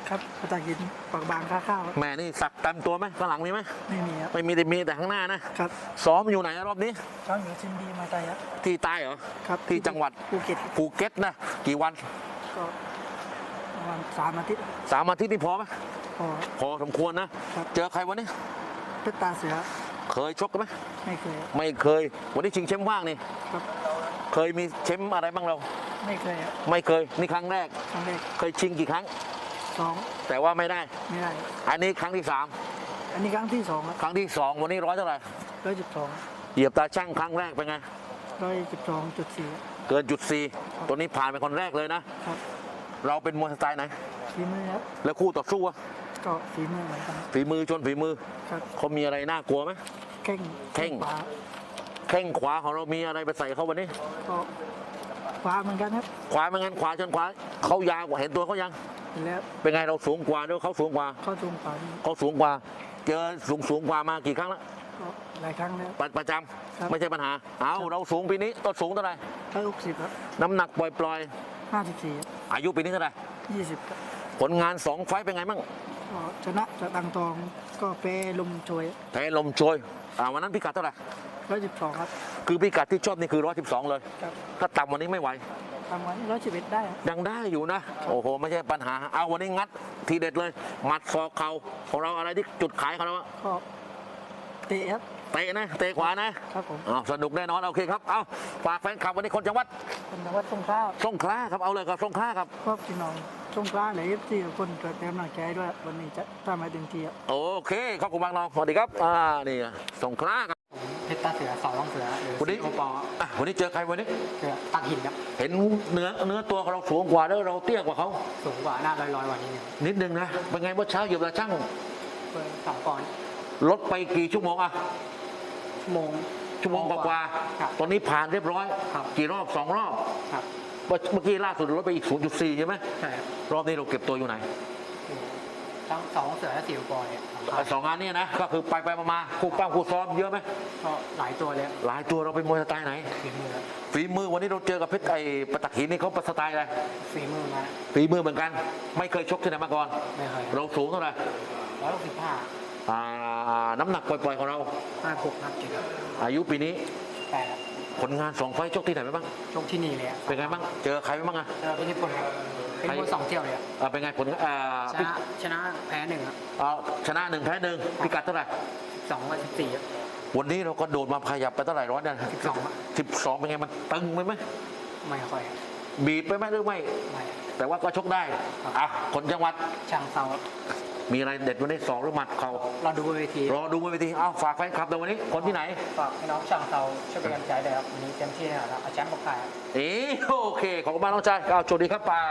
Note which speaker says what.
Speaker 1: ครับประตาหินปากบางค่าข้าว
Speaker 2: แม่นี่สักเต็มตัวไหมข้างหลังมีไหม
Speaker 1: ไม่มีครับ
Speaker 2: ไม่มีแต่ข้างหน้านะครับซ้อมอยู่ไหนรอบนี้
Speaker 1: ช้างอยู่ชินดีมาไตครับ
Speaker 2: ที่ใต้เหรอ
Speaker 1: ครับ
Speaker 2: ที่จังหวัดภูเก็ตนะกี่วัน
Speaker 1: ก็ประมาณ3 อาทิตย์
Speaker 2: 3 อาทิตย์นี่พอไหมพอสมควรนะเจอใครวันนี้
Speaker 1: เพชรตาเสือ
Speaker 2: เคยชกกันไหม
Speaker 1: ไม่เคย
Speaker 2: วันนี้ชิงแชมป์ว่างนี่
Speaker 1: ครับ
Speaker 2: เคยมีแชมป์อะไรบ้างเรา
Speaker 1: ไม่เคย
Speaker 2: นี่ครั้งแรกเคยชิงกี่ครั้ง
Speaker 1: 2
Speaker 2: แต่ว่าไม่ได้อันนี้ครั้งที่
Speaker 1: อันนี้ครั้งที่2ครับ
Speaker 2: ครั้งที่2วันนี้ร้อยเท่าไหร่
Speaker 1: 112
Speaker 2: เหยียบตาช่างครั้งแรกเป็นไง
Speaker 1: 112.4
Speaker 2: เกิน.4ตัวนี้ผ่านเป็นคนแรกเลยนะครับเราเป็นมวยสไตล์ไหน
Speaker 1: ฝีมือครับ
Speaker 2: แล้วคู่ต่อสู้อะ
Speaker 1: ก็ฝีมือเหมือนกัน
Speaker 2: ฝีมือชนฝีมือเขามีอะไรน่ากลัวไหมแข้งขวาของเรามีอะไรไปใส่เขาวันนี้
Speaker 1: ก็ขวาเหมือนกันครับ
Speaker 2: ขวาเหมือนกันขวาชนขวาเขายาวกว่าเห็นตัวเขายัง
Speaker 1: แล้ว
Speaker 2: เป็นไงเราสูงกว่าด้วยเขาสูงกว่าเจอสูงกว่ามากี่ครั้งแล้ว
Speaker 1: หลายครั้งแล้ว
Speaker 2: ประจำไม่ใช่ปัญหาเราสูงปีนี้ต้นสูงเท่าไหร่
Speaker 1: 160ครับ
Speaker 2: น้ำหนักปล่อย
Speaker 1: 54
Speaker 2: อายุปีนี้เท่าไหร่
Speaker 1: 20ครับ
Speaker 2: ผลงาน2 ไฟต์เป็นไงบ้าง
Speaker 1: ชนะจากตังทองก็แพ้ลมโชย
Speaker 2: วันนั้นพิกัดเท่าไหร่
Speaker 1: 112ครับ
Speaker 2: คือพิกัดที่ชอบนี่คือ112เลยถ้าต่ำวันนี้ไม่ไหว
Speaker 1: ต่ำวันนี้111ได้
Speaker 2: ยังได้อยู่นะโอ้โหไม่ใช่ปัญหาเอาวันนี้งัดทีเด็ดเลยหมัดศอกเข่าของเราอะไรที่จุดขายของเรา
Speaker 1: ก็เตะครับ
Speaker 2: เตะนะเตะขวานะครับผมสนุกแน่นอนโอเคครับเอาฝากแฟนคลับวันนี้คนจังหวัด
Speaker 1: สงขลา
Speaker 2: ครับเอาเลยครับสงขลาครับ
Speaker 1: พวกพี่น้องสงขลาเลยที่คนเกิดแรงหนักใจด้วยวันนี้จะทำให้เต็มที่
Speaker 2: โอเคขอบคุณมากน้องสวัสดีครับนี่สงขลาครับ
Speaker 1: เพชรตาเสือสองเสือ
Speaker 2: วันนี้วันนี้เจอใครวันนี้
Speaker 1: เจอตักหินครับ
Speaker 2: เห็นเนื้อตัวเราสูงกว่าแล้วเราเตี้ยกว่าเขา
Speaker 1: สูงกว่าหน้าลอยกว่า
Speaker 2: นิดนึงนะเป็นไงเมื่อเช้าเหยียบตาช่าง
Speaker 1: 2 ปอนด์
Speaker 2: ลดไปกี่ชั่วโมงชั่วโมงกว่าตอนนี้ผ่านเรียบร้อยกี่รอบ2 รอบเมื่อกี้ล่าสุดลดไปอีก 0.4 ใช่ไหม
Speaker 1: ใช่
Speaker 2: รอบนี้เราเก็บตัวอยู่ไหน
Speaker 1: ทั้ง2 เสือและ4 ปอนด์เนี่ย
Speaker 2: 2 งานนี้นะก็คือไปมาคู่ปั้มคู่ซ้อมเยอะไหม
Speaker 1: ก็หลายตัวเลย
Speaker 2: หลายตัวเราเป็นมวยสไตล์ไหนฝีมือวันนี้เราเจอกับเพชรประตักหินนี่เขาสไตล์อะไร
Speaker 1: ฝีมือ
Speaker 2: เหมือนกันไม่เคยชกที่ไหนมาก่อน
Speaker 1: ไม่เคย
Speaker 2: เราสูงเท่าไหร่
Speaker 1: 165
Speaker 2: น้ำหนักปล่อยๆของเรา
Speaker 1: 56-57
Speaker 2: อายุปีนี้
Speaker 1: 8
Speaker 2: ผลงาน2 ไฟต์ชกที่ไหนไปบ้าง
Speaker 1: ชกที่นี่เลย
Speaker 2: เป็นไงบ้างเจอใครบ้าง
Speaker 1: เป็นญี่ปุ่นครับเป็นมวย2 เที่ยวเลย
Speaker 2: เป็นไงผล
Speaker 1: ชนะแพ้1ครับ
Speaker 2: ชนะ1แพ้1พิกัดเท่าไหร่
Speaker 1: 12-14
Speaker 2: วันนี้เราก็โดดมาขยับไปเท่าไหร่ร้อยเนี่ย12เป็นไงมันตึงไหม
Speaker 1: ไม่ค่อย
Speaker 2: บีบไปไหมหรือไม่แต่ว่าก็ชกได้คนจังหวัด
Speaker 1: ช่างเซา
Speaker 2: มีอะไรเด็ดวันนี้2 หรือหมัดเขา
Speaker 1: รอดูบนเวที
Speaker 2: ฝากแฟนคลับในวันนี้คนที่ไหน
Speaker 1: ฝากพี่น้องช่างเซาช่วยเป็นกำลังใจด้วยครับวันนี้เต็มที่แล้วเอาแชมป์มาขาย
Speaker 2: โอเคขอบคุณมากน้องชายโชคดีครับป้า